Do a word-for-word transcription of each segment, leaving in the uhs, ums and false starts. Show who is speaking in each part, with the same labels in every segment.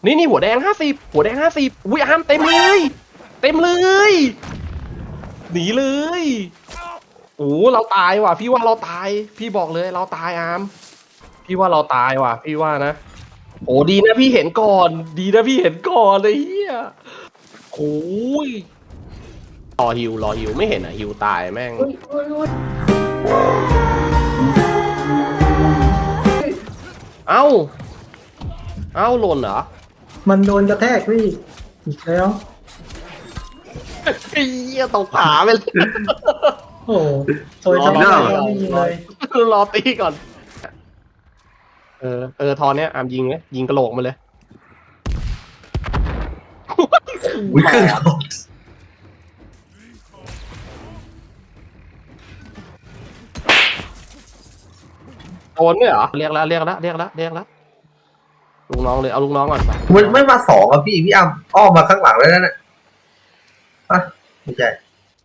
Speaker 1: นี่นี่หัวแดงห้าสิบหัวแดงห้าสิบอุ้ยอาร์มเต็มเลยเต็มเลยหนีเลยโอ้เราตายว่ะพี่ว่าเราตายพี่บอกเลยเราตายอาร์มพี่ว่าเราตายว่ะพี่ว่านะโอ้ดีนะพี่เห็นก่อนดีนะพี่เห็นก่อนเลยเฮียโอ้ยรอฮิวรอฮิวไม่เห็นอ่ะฮิวตายแม่งเอ้าเอ้าหล่นเหรอ
Speaker 2: มันโดนกระแทกพี่อีกแล้ว
Speaker 1: ไอ้เหี้ยตกผาไปเลย
Speaker 2: โอ้โอยทำไมไม่ยิงเลย
Speaker 1: รอตีก่อน เออ เออ ทอนเนี้ยอามยิงเลยยิงกระโหลกมาเลย
Speaker 3: อุ้ยขึ้น
Speaker 1: โดนเนี่ยเหรอ เรียกแล้วเรียกแล้วเรียกแล้วเรียกแล้วลูกน้องเลย เอาลูกน้องก่อนไป
Speaker 3: มันไม่มาสองอ่ะพี่พี่อ้ำอ้อมมาข้างหลังเลยนั่นน่ะอ่ะไม่ใช่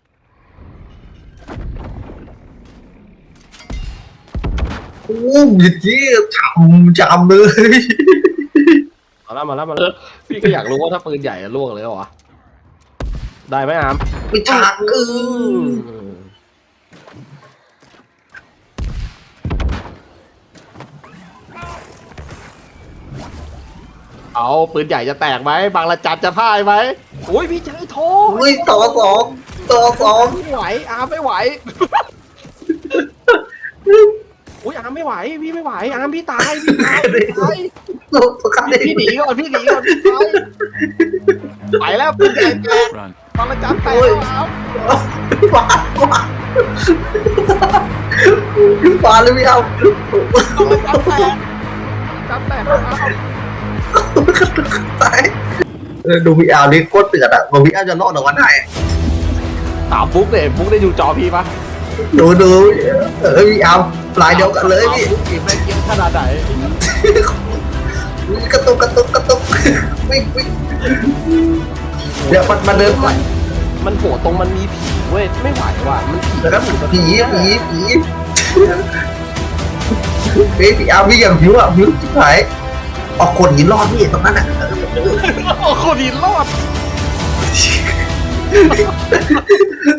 Speaker 3: โอ้ยยี่จำจำเลย
Speaker 1: มาแล้วมาแล้วมาแล้วพี่ก็อยากรู้ว่าถ้าปืนใหญ่จะล่วงเลยเหรอ ได้ไหมอาม
Speaker 3: ไม่ชักเออ
Speaker 1: เอาปืนใหญ่จะแตกไหมบางระจันจะพ่ายไหมโอ้ยพี่เจอโท
Speaker 3: อุ้ยต่อสองต่อสอง
Speaker 1: ไม่ไหวอามไม่ไหว อุ้ยอามไม่ไหวพี่ไม่ไหวอามพี่ตายพี่ตายพี่ตาย
Speaker 3: ตัวกัน
Speaker 1: พี่หนีก่อนพี่หนีก่อนพี่ตายไปแล้วปืนใหญ่แตกบางระจันแตกแล้วอาม
Speaker 3: ฟาดฟาดฟาดเลยพี่อ้ำ
Speaker 1: บางระจันแตกจันแตกแล้วอาม
Speaker 3: ตายดูพี่อ้ำนี่โคตรเตือนอ่ะบอกพี่อ้ำจะรอดออกมาได้
Speaker 1: ถามบุ๊กเลยบุ๊กได้ดูจอพี่ปะ
Speaker 3: ดูดูเออพี่อ้ำลายเดียวกันเลยพี่
Speaker 1: บุ๊กเกมได้เกมขนาดไหน
Speaker 3: กระตุกกระตุกกระตุกวิ่งวิ่งเดี๋ยวมันมาเดินไป
Speaker 1: มันโหดตรงมันมีผีเว้ยไม่ไหวว่ะมันผี
Speaker 3: แล้วก็ผีผีผีเฮ้ยพี่อ้ำวิ่งอย่างผิวอ่ะผิวชิบหายออกคนหินรอดพี่ตรงนั้นอ่ะ
Speaker 1: โอ้โหดีรอด